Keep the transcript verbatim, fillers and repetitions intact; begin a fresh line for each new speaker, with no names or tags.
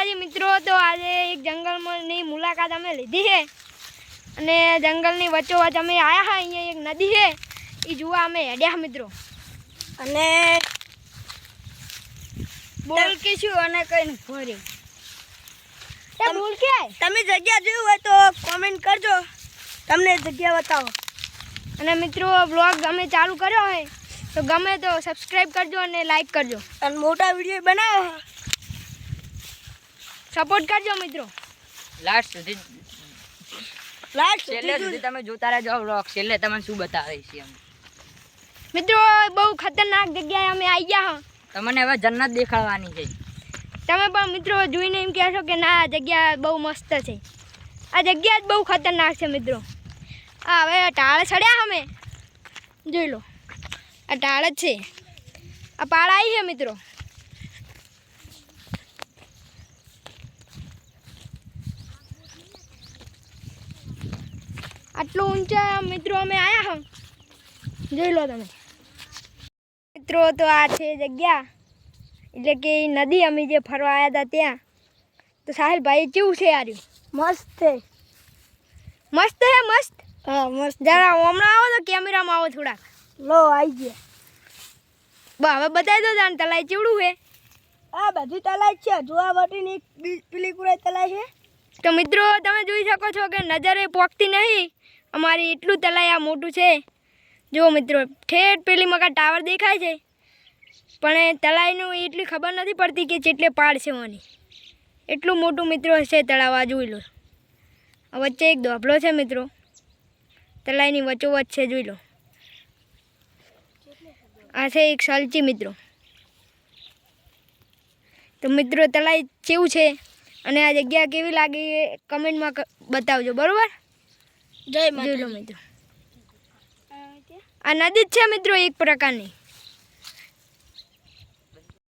માતાજી મિત્રો, તો આજે એક જંગલની મુલાકાત અમે લીધી છે અને જંગલની વચ્ચોવચ્ચ અમે આવ્યા હા. અહીંયા એક નદી છે, એ જોવા અમે હેડ્યા મિત્રો.
અને બોલ કે શું અને કઈ ફરી
બોલ કે
તમે જગ્યા જોયું હોય તો કોમેન્ટ કરજો, તમને જગ્યા બતાવો.
અને મિત્રો બ્લોગ અમે ચાલુ કર્યો હોય તો ગમે તો સબસ્ક્રાઈબ કરજો અને લાઈક કરજો
અને મોટા વિડીયો બનાવો,
સપોર્ટ કરજો મિત્રો.
લાસ્ટ સુધી
લાસ્ટ
છેલ્લે સુધી તમે જોતા રહેજો વ્લોગ. છેલ્લે તમને શું બતાવે છે અમે
મિત્રો. બહુ ખતરનાક જગ્યાએ અમે આવી ગયા.
તમને હવે જન્નત દેખાડવાની છે.
તમે પણ મિત્રો જોઈને એમ કહેશો કે ના આ જગ્યા બહુ મસ્ત છે. આ જગ્યા જ બહુ ખતરનાક છે મિત્રો. આ હવે ટાળ ચડ્યા અમે જોઈ લો, આ ટાળ જ છે. આ પાળ આવી છે મિત્રો. આટલું ઊંચા મિત્રો અમે આવ્યા હા, જોઈ લો તમે મિત્રો. તો આ છે જગ્યા, એટલે કે નદી અમે જે ફરવા આવ્યા હતા ત્યાં. તો સાહિલભાઈ કેવું છે યાર?
મસ્ત છે.
મસ્ત છે મસ્ત.
હા મસ્ત.
જરા હમણાં આવો તો કેમેરામાં આવો થોડાક.
લો આવી ગયા.
બા હવે બતાવી દો જાણ તલાઈ ચેવડું છે.
આ બધી તલાઈ છે, જોવા માટેની એક બી- પેલી કુરાઈ તલાઈ છે.
તો મિત્રો તમે જોઈ શકો છો કે નજરે પોકતી નહીં અમારી, એટલું તલાઈ આ મોટું છે. જુઓ મિત્રો, ઠેઠ પેલી મકા ટાવર દેખાય છે, પણ એ તળાઈનું એટલી ખબર નથી પડતી કે જેટલે પાડ છે ઓની. એટલું મોટું મિત્રો છે તળાવ. આ જોઈ લો, આ વચ્ચે એક ધોબળો છે મિત્રો, તળાઈની વચ્ચોવચ્ચ છે, જોઈ લો. આ છે એક સલચી મિત્રો. તો મિત્રો તળાઈ કેવું છે અને આ જગ્યા કેવી લાગી એ કમેન્ટમાં બતાવજો, બરાબર?
જય
જોઈ લો મિત્રો, આ નદી જ છે મિત્રો એક પ્રકારની.